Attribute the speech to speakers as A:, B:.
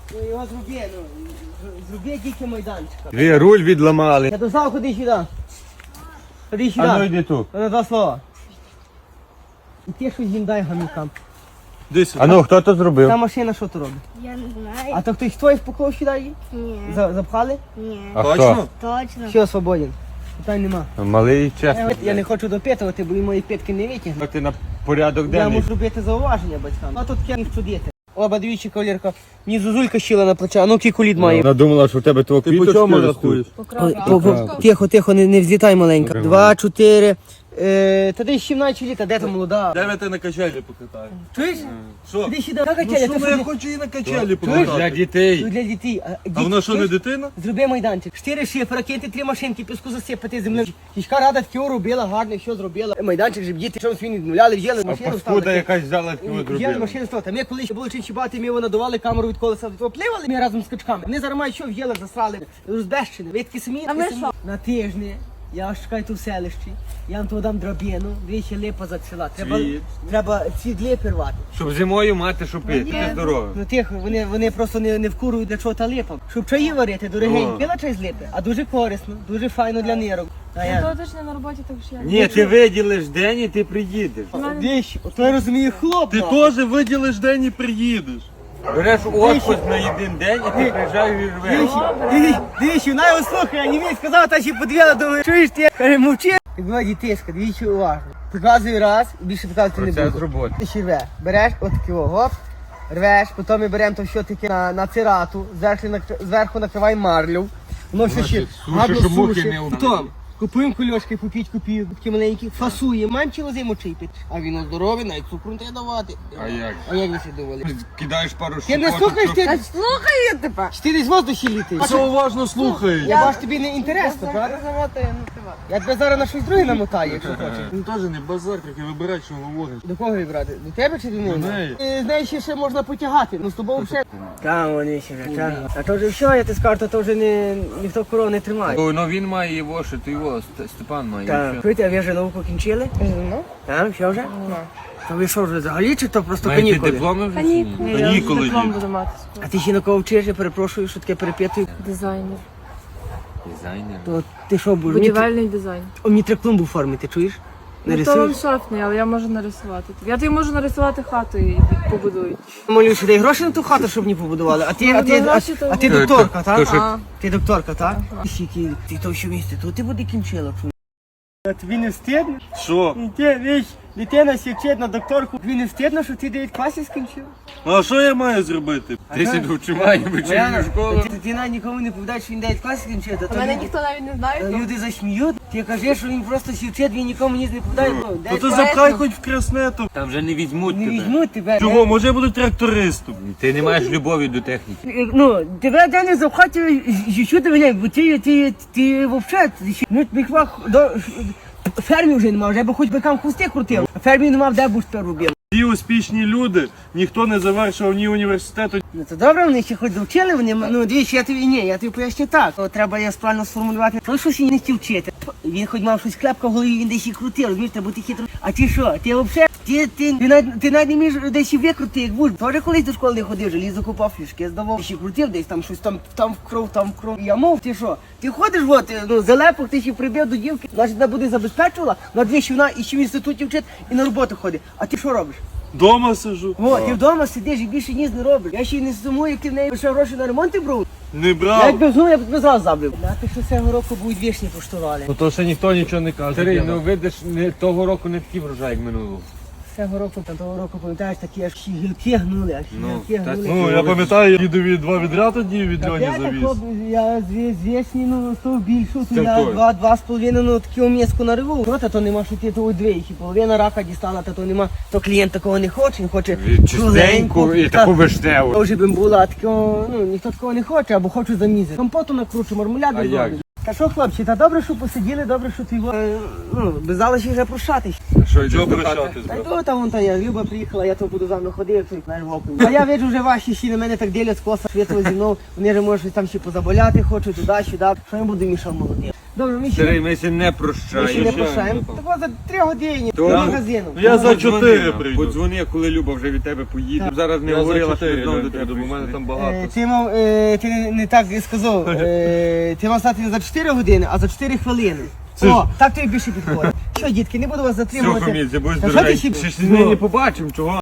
A: Ну його зроби тільки майданчика.
B: Ви руль відламали.
A: Я дознав, ходи сюди. Ходи сюди.
B: А ну йди тут.
A: На два слова. І ти щось їм дай гамікам.
B: А ну, хто то зробив?
A: Та машина що то робить?
C: Я не знаю.
A: А то хтось твоїх поклав сюди її?
C: Ні.
A: Запхали?
C: Ні.
B: А
D: Точно?
C: Точно.
A: Все, свободен. Питань нема.
B: хто? Малий чесно.
A: Я не хочу допитувати, бо і мої питки не витягнуть.
B: Ти на порядок
A: Я
B: денний.
A: можу робити зауваження батькам. А тут я їх чудити. Оба двічі кавалерка. Мені зузулька щила на плече, а ну який колід має.
B: Вона думала, що в тебе твого
D: Ти по
B: квіточки
D: чому
B: ростуть.
D: рахуєш?
A: Тихо, не взлітай маленька. 2, 4. Та десь 17 літа, де там молода?
D: Дай я тебе на качелі покатаю.
A: Чуєш?
D: Що?
A: Іди сюди, на
D: Ну
A: качеля,
D: що,
A: ти
D: ну
A: що
D: я
A: не-
D: хочу її на качелі
B: Для
D: покатати.
B: дітей.
A: Ну, для дітей.
D: А вона що, не
A: чуєш?
D: дитина?
A: Зроби майданчик. 4 шифера, киньте 3 машинки, піску засипати землею. Кішка рада таке робила, гарно все зробила. Майданчик, щоб діти щось він відмовляли, взяли
B: А
A: машину
B: паскуда
A: вставили.
B: якась взяла і
A: Взяли
B: зробила.
A: машину вставити. Ми коли ще були чинчибати, ми надували камеру від колеса до того, пливали ми разом з качками. Вони зараз мають що в єлах засрали, розбещені. Ви такі самі, такі самі. На тижні. Я вас чекаю тут в селищі, я вам то дам драбину, двічі липа зацвіла. Треба цвіт липи рвати.
B: Щоб зимою мати, що пити. Ти здоровий.
A: Ну тих, вони просто не вкурують для чого та липа. Щоб чаї варити, дорогенькі. Пила чай з липи, а дуже корисно, дуже файно для нирок. А я...
E: То точно на роботі, так що я.
B: Ні, ти виділиш день і ти приїдеш.
A: Дещі, ото я розумію хлоп.
D: Ти теж виділиш день і приїдеш.
B: Береш отпуск на один день і ти приїжджаєш і рвеш.
A: Дивіться, вона його слухає, не він сказав, та ще подвіла, думаю, чуєш ти? Каже, мовчи. Як була дітейська, дивіться уважно. Показую раз, і більше показувати не
B: Процес
A: буду.
B: роботи.
A: Ти ще рвеш, береш отакі гоп, рвеш, потім ми беремо то все таке на цирату, зверху накриваємо марлю. Воно все ще
B: Сушиш,
A: гарно
B: щоб мухи
A: сушить.
B: не вбили.
A: Потім купуємо кульочки по 5 копійок, такі маленькі, фасуємо, маємо цілу зиму чипити. А він здоровий, навіть цукру не треба давати.
B: А як?
A: А як ви всі думали?
B: Кидаєш пару
A: Ти не
B: щепоток,
A: слухаєш,
B: щоб-
A: ти?
C: Слухаю тебе.
A: Ти десь в воздухі літаєш.
D: Все уважно слухай.
A: Я бачу, тобі не інтересно, правда? Я тебе зараз на щось друге намотаю, якщо хочеш.
D: Він теж не базар, як і вибирати, що говориш.
A: До кого вибрати? До тебе чи до мене?
D: До неї.
A: Ти знаєш, ще можна потягати, ну з тобою вже. Там вони ще вже тягнуть. А то вже все, я ти скажу, то вже ніхто коров не тримає.
B: Ну він має його, що ти його, Степан має.
A: Так, чуєте, а ви вже науку кінчили?
C: Ну.
A: Так, все вже? То ви що вже взагалі, чи то просто
B: Маєте
A: канікули?
B: дипломи вже?
E: Канікули. Я
D: Канікули
E: вже диплом
D: є.
E: буду мати.
A: А ти ще на кого вчиш, я перепрошую, що таке перепитую.
E: Дизайнер.
B: Дизайнер.
A: То ти що будеш?
E: Будівельний дизайн.
A: Мені треба клумбу оформити, чуєш?
E: Ну то вам
A: Нарисуєш?
E: шафний, але я можу нарисувати. Я тобі можу нарисувати хату і побудують.
A: Молю, що дай гроші на ту хату, щоб мені побудували. А ти,
E: Ну,
A: а ти,
E: на гроші то-
A: а ти докторка,
B: То,
A: так?
B: що-
E: А,
A: Ти докторка, так? Ти то що місце, то ти буде кінчила. Тобі не встидно?
D: Що?
A: Дитина січить на докторку. Тобі не встидно, що ти 9 класів скінчив?
D: А що я маю зробити?
B: Ти сиду вчимає вечірню школу.
A: Ти навіть нікому не повідаєш, що він 9 класів скінчив.
E: а мене ніхто навіть не знає.
A: Люди засміють. Ти кажеш, що він просто січить, він нікому ніс не повідає.
D: Ну ти запхай хоч в краснету.
B: Там вже не візьмуть
A: Не
B: тебе.
A: візьмуть тебе.
D: Чого? Може я буду трактористом?
B: Ти не маєш любові до техніки.
A: Ну, тебе де не запхати, що ти мене, бо ти взагалі, ну, бігвах до фермі вже немає, вже б хоч бикам хвости крутив. Фермі не мав, де б тепер робив.
D: Ті успішні люди, ніхто не завершив ні університету.
A: Ну то добре, вони ще хоч довчили, вони, ну дивіться, я тобі поясню так. То треба я правильно сформулювати. Той щось він не хотів вчити. Він хоч мав щось клепка в голові, він десь і крутив, розумієш, треба бути хитро. А ти що, ти взагалі, ти навіть не вмієш десь і викрути, як будь. Тоже колись до школи не ходив, желіз закупав фішки, здавав, ще крутив десь там щось, там в кров. Я мов, ти що, ти ходиш, от, ну, залепок, ти ще прибив до дівки, значить, вона буде забезпечувала, на дві, що вона і ще в інституті вчить, і на роботу ходить. А ти що робиш?
D: Дома сижу.
A: О, ти вдома сидиш і більше ніс не робиш. Я ще й не сумую, як ти в неї лише гроші на ремонт брав.
D: Не
A: Я
D: брав.
A: якби знав, я б тебе зразу забив. Знати, що цього року будуть вішні поштували.
D: Ну то ще ніхто нічого не каже.
B: Старий, ну видиш, того року не такий врожай, як минулого.
A: Цього року, того року, пам'ятаєш, такі аж гілки гнули, аж
B: Ну,
A: гілки
B: так,
A: гнули.
D: Ну, я пам'ятаю, дідові 2 відряд тоді від
A: Та
D: Льоні
A: я
D: завіз.
A: тако, я звісні, ну, то більшу, то
B: Це
A: я
B: той.
A: 2,5, ну, таку м'язку нариву. Проте то нема, що ти того двічі, половина рака дістала, та то нема, то клієнт такого не хоче, він хоче
B: Чистеньку і таку вишневу.
A: Вже б була, а такого, ну, ніхто такого не хоче, або хоче замізати. Компоту накручу, мармеляду
B: А як
A: зроблю.
B: же?
A: Та що, хлопці, та добре, що посиділи, добре, що ти, ну, без залиші вже прощатись.
B: Що йдеш
D: Чого
B: до хати?
D: прощатись,
A: Та й
D: брат?
A: то там вон та я, Люба приїхала, я то буду за мною ходив, той, знаєш, вовком. А я бачу, вже ваші ще на мене так ділять з коса, світло зі мною, вони вже може там ще позаболяти хочуть, туди-сюди. Що я буду мішав молодим? Добре, ми
B: Старий,
A: ще
B: ми ще не
A: ми ще не
B: прощаємо.
A: прощаємо. Так от за 3 години
B: То-
A: до магазину.
D: Ну, я за 4
B: Подзвони,
D: прийду.
B: Подзвони, коли Люба вже від тебе поїде. Зараз не
D: Я за
B: говорила, що
D: 4
B: знову до
D: прийду,
B: тебе
D: бо в мене
B: прийшли.
D: там багато.
A: Ти мав, ти не так сказав. Ти мав стати не за 4 години, а за 4 хвилини.
D: Це
A: О, так тобі більше підходить. Що, дітки, не буду вас
B: Все,
A: затримувати.
B: Хамідзе, будь
A: Та що ти
B: здоровий.
A: ще-
B: Ще ж з неї не побачимо, чого?